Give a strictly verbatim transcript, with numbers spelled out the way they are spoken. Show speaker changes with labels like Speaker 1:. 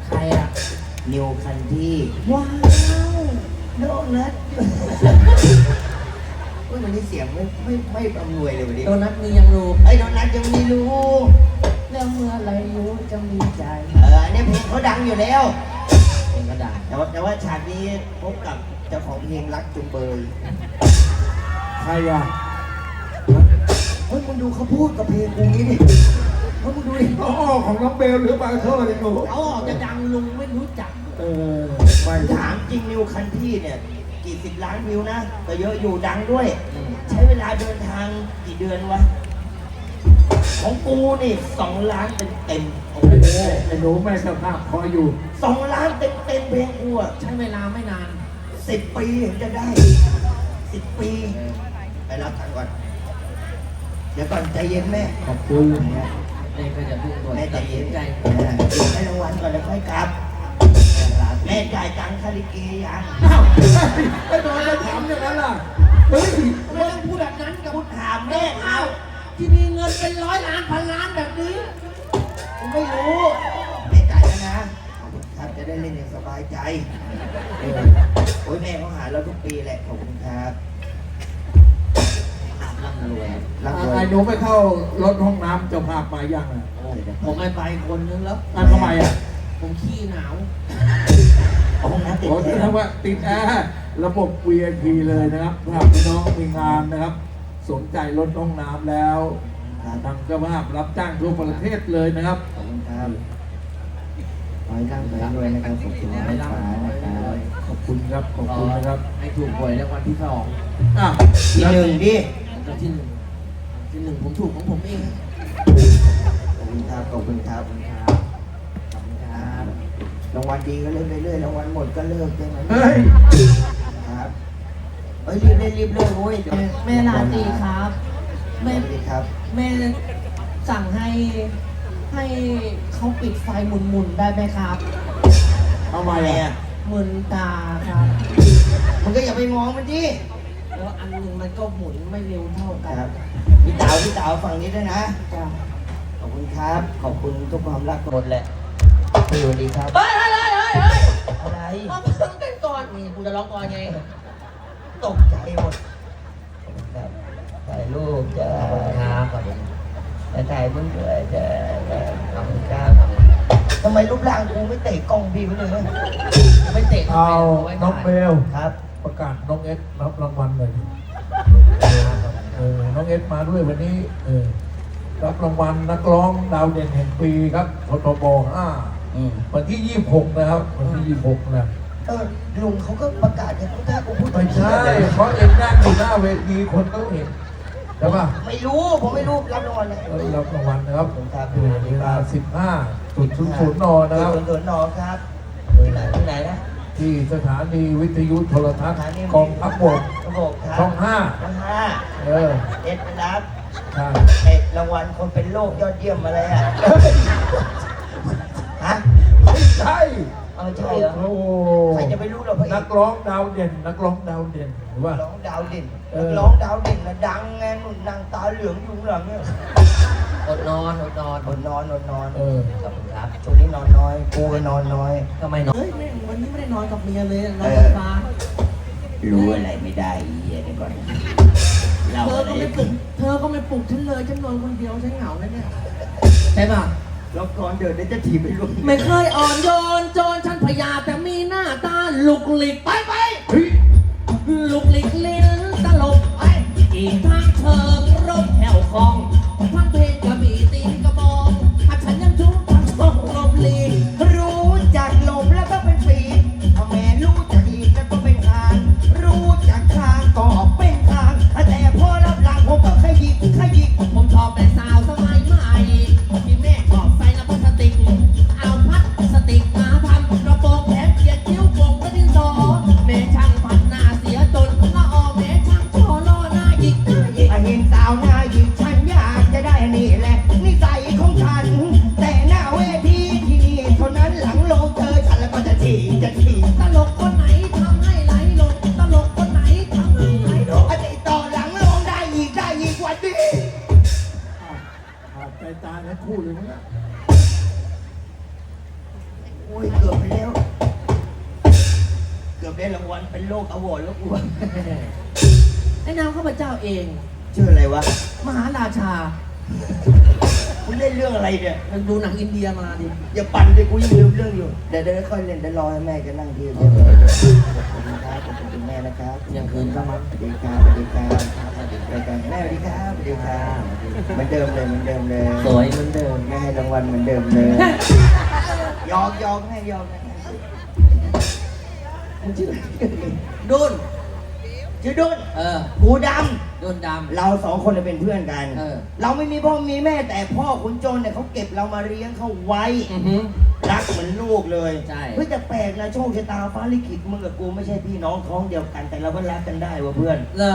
Speaker 1: ใครอ่ะ
Speaker 2: นิวคันที่
Speaker 1: ว้าว
Speaker 2: โน้ตนัทเฮ้ยวันนี้เสียงไม่ไม่ไม่อำนวยเลยวันนี้
Speaker 1: โดนัทมียังรู้
Speaker 2: ไอ้โดนัทยังไม่รู้
Speaker 1: แล้วเมื่อไรรู้จะมีใจ
Speaker 2: เออเนี่ยเพลงเขาดังอยู่แล้ว
Speaker 1: เพลงก็ดัง
Speaker 2: แต่ว่าแต่ว่าฉากนี้พบกับเจ้าของเพลงรักจุงเบย
Speaker 3: ใครอ่ะ
Speaker 2: เฮ้ยมึงดูเขาพูดกับเพลงกูนี้ดิเฮ้ยมึงดูดิ
Speaker 3: อ๋อของน้องเบลหรือเปล่าโทษเลยกู
Speaker 1: เขาออกจะดังลุงไม่รู้จัก
Speaker 3: เออไม่
Speaker 2: ถามจริงนิวคันที่เนี่ยกี่สิบล้านวิวนะแต่เยอะอยู่ดังด้วยใช้เวลาเดินทางกี่เดือนวะของกูนี่สองล้านเต็มเต็มโอ้โห
Speaker 3: ไอ้หนูแม่สภาพพออยู่
Speaker 2: สองล้านเต็มเต็มเพลงกูอะ
Speaker 1: ใช้เวลาไม่นาน
Speaker 2: สิบปีถึงจะได้สิบปีไปรับตังค์ก่อนเดี๋ยวก่อนใจเย็นแม่
Speaker 3: ขอบคุณ
Speaker 1: แม่ก็จะพึ่งตัว
Speaker 2: แม่ใจเย็น
Speaker 1: ใจ
Speaker 2: ให้รางวัลก่อนแล้วค่อยกลับแม่จ่ายตังค์คาริเกยัง
Speaker 3: ไอ้โดนจะถามอย่างนั้นล่ะเฮ้ย
Speaker 1: ไม่ต้องพูดแบบนั้นกับ
Speaker 2: พูดถามแม่เอา
Speaker 1: ที่มีเงินเป็นร้อยล้านพันล้านแบบนี้
Speaker 2: ผมไม่รู้แม่จ่ายแล้วนะครับจะได้เล่นอย่างสบายใจโอ้ยแม่เขาหาเราทุกปีแหละขอบคุณครับ
Speaker 1: ร่ำรวย
Speaker 3: ร่ำรวยไอ้หนูไปเข้ารถห้องน้ำเจ้าภาพมายังอ่ะ
Speaker 1: ผมไม่ไปคนนึงแล้ว
Speaker 3: ทำไมอ่ะ
Speaker 1: ผมขี้หนาว
Speaker 2: ห้องน้ำติด
Speaker 3: แอร์ว่าติดแอร์ระบบ วี ไอ พี เลยนะครับถ้าพี่น้องมีงานนะครับสนใจรถห้องน้ำแล้วทางเจ้าภาพรับจ้างทั่วประเทศเลยนะครับ
Speaker 2: ขอบคุณครับขอให้ร่ำรวยด้วยนะครับขอบคุณมากนะครับ
Speaker 3: ขอบคุณครับขอบคุณนะครับ
Speaker 1: ให้ถูกหวยรางวัลที่สอง
Speaker 3: อ่ะ
Speaker 2: ที่หนึ่งดิ
Speaker 1: ที่หนึ่งที่หนึ่งผมถูกของผมเอง
Speaker 2: ขอบคุณครับขอบคุณครับขอบคุณครับขอบคุณครับรางวัลดีก็เล่นไปเรื่อยรางวัลหมดก็เลิกได้ไหม
Speaker 3: เฮ้ย
Speaker 2: ครับเฮ้ยรีบเล่นรีบเลิกโว้ย
Speaker 1: แม่ลาตีครับ
Speaker 2: แม่ดีครับ
Speaker 1: แม่สั่งให้ให้เขาปิดไฟหมุนๆได้ไหมครับ
Speaker 2: ทำไมอ่ะ
Speaker 1: หมุนตาครับ
Speaker 2: มันก็อย่าไปมองมันดิ
Speaker 1: แล้วอันนึงมันก็หมุนไม่เร็วเท่ากัน
Speaker 2: ครับพี่เต๋าพี่เต๋าฝั่งนี้ด้วยนะขอบคุณครับขอบคุณทุกความรักหมดแหละสวัสดีครับ
Speaker 1: เฮ้ยเฮ้ยเฮ้ยเฮ้ย
Speaker 2: อะไร
Speaker 1: มาเพิ่งกันก่อนนี่กูจะร้องก่อนไง
Speaker 2: ตกใจหมดครับถ่ายรูปจะ
Speaker 1: ครับขอบคุณ
Speaker 2: จะถ่ายเพื่อนด้วยจะขอบคุณครับทำไมรูปร่างกูไม่เตะกล้องพี่ไปเลย
Speaker 1: ไม่เตะ
Speaker 3: เอาน้องเบล
Speaker 2: ครับ
Speaker 3: ประกาศน้องเอสรับรางวัลเลยเออน้องเอสมาด้วยวันนี้เออรับรางวัลนักร้องดาวเด่นแห่งปีครับททบห้าวันที่ยี่สิบหกนะครับวันที่ยี่สิบหกนะ
Speaker 2: เออลุงเขาก็ประกาศกันทุกท่ากูพูด
Speaker 3: ไม่ใช่เพราะเอ็นนั่งอยู่หน้าเวทีคนก็เห็นใช่ป่ะ
Speaker 2: ไม่รู้ผมไม่รู้รับรางวัลเลย
Speaker 3: รับรางวัลนะครับเวลาสิบห้าจุดศูนย์ศูนย์นนะครับ
Speaker 2: ศูนย์ศูนย์นครับที่ไหนที่ไหนนะ
Speaker 3: ที่สถานีวิทยุโทรทัศน์กองทัพบกช่องห้า
Speaker 2: ช่องห้า
Speaker 3: เออ
Speaker 2: เอ็ดรับ
Speaker 3: ใช่
Speaker 2: เอ็ดรางวัลคนเป็นโรคยอดเยี่ยมอะไรอ่ะฮะ
Speaker 3: ใช่
Speaker 2: เออใช่เหรอใครจะไปรู้หรอ
Speaker 3: นักร้องดาวเด่นนักร้องดาวเด่นหรือว่า
Speaker 2: ร้องดาวเด่นนักร้องดาวเด่นนะดังไงนุ่นนางตาเหลืองอยู่หลังเนี่ย
Speaker 1: อดนอนอดนอน
Speaker 2: อดนอนอดนอน
Speaker 3: เออ
Speaker 1: ขอบคุณครับ
Speaker 2: ช่วงนี้นอนน้อยกูก็นอนน้อย
Speaker 1: ทำไมนอนเฮ้ยวันนี้ไม่ได้นอนกับเมียเลยนอน
Speaker 2: กับ
Speaker 1: ฟ้า
Speaker 2: รู้อะไรไม่ได้เหี้ยเดี๋ยวก่อน
Speaker 1: เธอก็ไม่ปลุกเธอก็ไม่ปลุกฉันเลยฉันนอนคนเดียวฉันเหงาแล้วเนี่ยใช่ป่ะ
Speaker 2: ล็อกก่อนเดินได้จะถีบไปลุก
Speaker 1: ไม่เคยอ่อนโยนโจนฉันพยาแต่มีหน้าตาลุกหลิกไปไปลุกหลิกลิ้นตลกไปอีกทางเชิงรบแถวคลองทั้งเพลงกระบี่ตีนกระบองถ้าฉันยังชุกทั้งช่องลมลี
Speaker 2: รู้จักลมแล้วก็เป็นปีถ้าแม่รู้จักอีกแล้วก็เป็นคานรู้จักคางก็เป็นคางแต่พอรับหลังผมก็ขยิกขยิก
Speaker 1: ผมชอบแต่สาวสมัยใหม่ที่แม่ชอบใส่น้ำพลาสติกเอาพัดสติกมาทำกระโปรงแขนเขียนคิ้วโป่งกระดิ่งต่อแม่ช่างพัดหน้าเสียจนละออแม่ช่างโชว์ล้อหน้าหยิกหน้าหยิก
Speaker 2: เห็นสาวหน้าหยิกฉันอยากจะได้นี่แหละนิสัยของฉันแต่หน้าเวทีที่นี่เท่านั้นหลังลงเจอฉันแล้วก็จะถีจะถี
Speaker 1: ตลกคนไหนทำให้ไหลลงตลกคนไหนทำให้ไหลลง
Speaker 2: อติต่อหลังลงได้อีกได้อีกวันนี้
Speaker 3: ขาดใจตายทั้งคู่เลยมั้ง
Speaker 2: โอ้ยเกิได้รางวัลเป็นโลกอวอร์ดแล้วกู
Speaker 1: ไอ้นามข้าพเจ้าเอง
Speaker 2: ชื่ออะไรวะ
Speaker 1: มหาราชา
Speaker 2: คุณเล่นเรื่องอะไรเนี่ย
Speaker 1: ดูหนังอินเดียมาดิ
Speaker 2: อย่าปั่นเลยกูยังลืมเรื่องอยู่ เดี๋ยวเดี๋ยวค่อยเล่นเดี๋ยวรอให้แม่แกนั่งที่เดี๋ยวขอบคุณครับขอบคุณแม่นะครับ
Speaker 1: ยังคืนก็มั้ง
Speaker 2: สวัสดีครับสวัสดีครับสวัสดีครับแม่สวัสดีครับสวัสดีครับเหมือนเดิมเลยเหมือนเดิมเลย
Speaker 1: สวยเหมือนเดิม
Speaker 2: แม่ให้รางวัลเหมือนเดิมเลยยอกยอกให้ยอกให้
Speaker 1: มึงชื่อดุน
Speaker 2: ชื่อดุน
Speaker 1: เออ
Speaker 2: กูด
Speaker 1: ดุนด
Speaker 2: ำเราสองคนเป็นเพื่อนกัน
Speaker 1: เออ
Speaker 2: เราไม่มีพ่อมีแม่แต่พ่อขุนโจรเนี่ยเขาเก็บเรามาเลี้ยงเขาไว้
Speaker 1: ำอือหือ
Speaker 2: รักเหมือนลูกเลย
Speaker 1: ใช่
Speaker 2: เพื่อจะแปลกนะโชคชะตาฟ้าลิขิตมึงกับกูไม่ใช่พี่น้องท้องเดียวกัน แต่เราก็รักกันได้ว่ะเพื่อน
Speaker 1: เลิ